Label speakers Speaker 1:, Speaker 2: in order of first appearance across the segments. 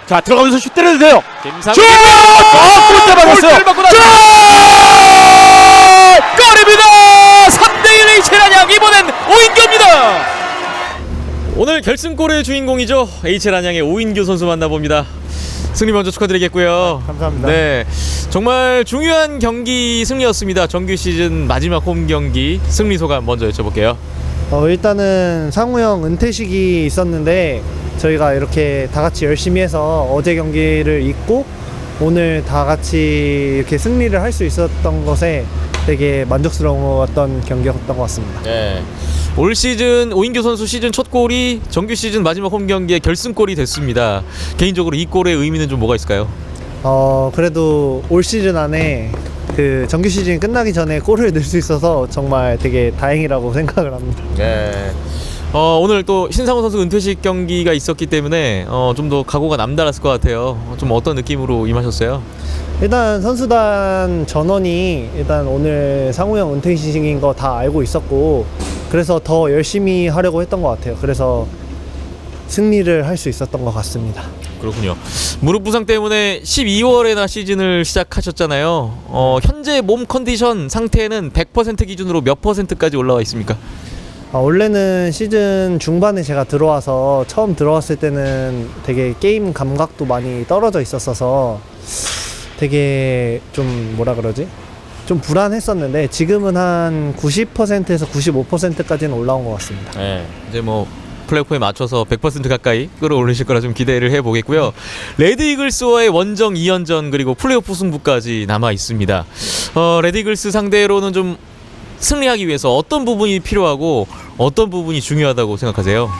Speaker 1: 자, 들어가면서 슛 때려도 돼요.
Speaker 2: 김상훈
Speaker 1: 슛! 골대 막았어요.
Speaker 2: 골대를 맞고 골입니다. 3대1 HL안양, 이번엔 오인규입니다. 오늘 결승골의 주인공이죠. HL안양의 오인규 선수 만나봅니다. 승리 먼저 축하드리겠고요.
Speaker 3: 감사합니다.
Speaker 2: 네, 정말 중요한 경기 승리였습니다. 정규 시즌 마지막 홈 경기 승리 소감 먼저 여쭤볼게요.
Speaker 3: 일단은 상우 형 은퇴식이 있었는데 저희가 이렇게 다 같이 열심히 해서 어제 경기를 잊고 오늘 다 같이 이렇게 승리를 할 수 있었던 것에 되게 만족스러웠던 경기였던 것 같습니다.
Speaker 2: 네, 올 시즌 오인규 선수 시즌 첫 골이 정규 시즌 마지막 홈 경기의 결승골이 됐습니다. 개인적으로 이 골의 의미는 좀 뭐가 있을까요?
Speaker 3: 그래도 올 시즌 안에 그 정규 시즌이 끝나기 전에 골을 넣을 수 있어서 정말 되게 다행이라고 생각을 합니다.
Speaker 2: 네. 오늘 또 신상훈 선수 은퇴식 경기가 있었기 때문에 좀 더 각오가 남달랐을 것 같아요. 좀 어떤 느낌으로 임하셨어요?
Speaker 3: 일단 선수단 전원이 일단 오늘 상우 형 은퇴식인 거 다 알고 있었고 그래서 더 열심히 하려고 했던 것 같아요. 그래서 승리를 할 수 있었던 것 같습니다.
Speaker 2: 그렇군요. 무릎 부상 때문에 12월에나 시즌을 시작하셨잖아요. 현재 몸 컨디션 상태는 100% 기준으로 몇 %까지 올라와 있습니까?
Speaker 3: 원래는 시즌 중반에 제가 들어와서 처음 들어왔을 때는 되게 게임 감각도 많이 떨어져 있었어서 되게 좀 뭐라 그러지? 좀 불안했었는데 지금은 한 90%에서 95%까지는 올라온 것 같습니다.
Speaker 2: 네. 이제 뭐 플레이오프에 맞춰서 100% 가까이 끌어올리실 거라 좀 기대를 해보겠고요. 레드 이글스와의 원정 2연전 그리고 플레이오프 승부까지 남아 있습니다. 레드 이글스 상대로는 좀 승리하기 위해서 어떤 부분이 필요하고 어떤 부분이 중요하다고 생각하세요?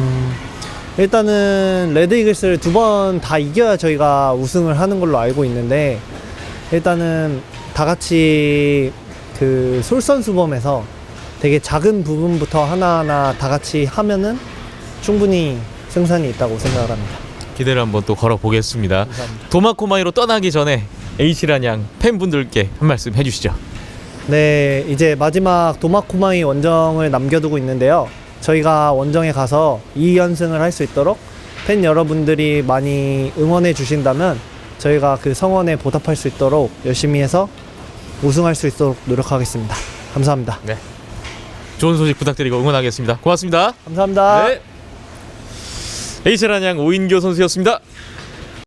Speaker 3: 일단은 레드 이글스를 2번 다 이겨야 저희가 우승을 하는 걸로 알고 있는데 일단은 다 같이 그 솔선수범해서 되게 작은 부분부터 하나하나 다 같이 하면은 충분히 승산이 있다고 생각을 합니다.
Speaker 2: 기대를 한번 또 걸어보겠습니다.
Speaker 3: 감사합니다.
Speaker 2: 도마코마이로 떠나기 전에 HL안양 팬분들께 한 말씀 해주시죠.
Speaker 3: 네, 이제 마지막 도마코마이 원정을 남겨두고 있는데요. 저희가 원정에 가서 2연승을 할 수 있도록 팬 여러분들이 많이 응원해 주신다면 저희가 그 성원에 보답할 수 있도록 열심히 해서 우승할 수 있도록 노력하겠습니다. 감사합니다.
Speaker 2: 네, 좋은 소식 부탁드리고 응원하겠습니다. 고맙습니다.
Speaker 3: 감사합니다.
Speaker 2: 네, HL안양 오인규 선수였습니다.